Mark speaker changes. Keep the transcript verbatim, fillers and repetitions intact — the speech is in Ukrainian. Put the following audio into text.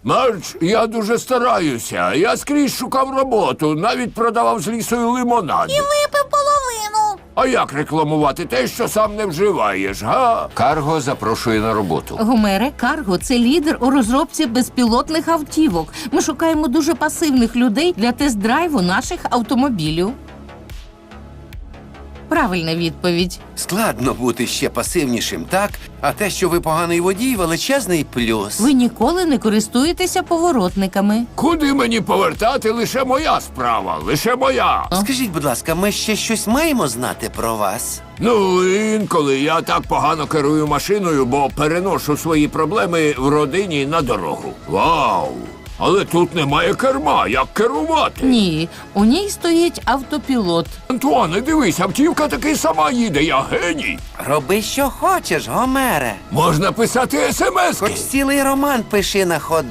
Speaker 1: Мерч, я дуже стараюся. Я скрізь шукав роботу, навіть продавав з лісою лимонад.
Speaker 2: І випив половину.
Speaker 1: А як рекламувати те, що сам не вживаєш, га? Карго запрошує на роботу.
Speaker 3: Гомере, Карго – це лідер у розробці безпілотних автівок. Ми шукаємо дуже пасивних людей для тест-драйву наших автомобілів. Правильна відповідь.
Speaker 4: Складно бути ще пасивнішим, так? А те, що ви поганий водій, величезний плюс.
Speaker 3: Ви ніколи не користуєтеся поворотниками.
Speaker 1: Куди мені повертати, лише моя справа, лише моя.
Speaker 4: Скажіть, будь ласка, ми ще щось маємо знати про вас?
Speaker 1: Ну, інколи я так погано керую машиною, бо переношу свої проблеми в родині на дорогу. Вау! Але тут немає керма, як керувати?
Speaker 3: Ні, у ній стоїть автопілот.
Speaker 1: Антуане, дивись, автівка таки сама їде, я геній.
Speaker 4: Роби, що хочеш, Гомере.
Speaker 1: Можна писати
Speaker 4: Хоч
Speaker 1: смски.
Speaker 4: цілий роман пиши на ходу.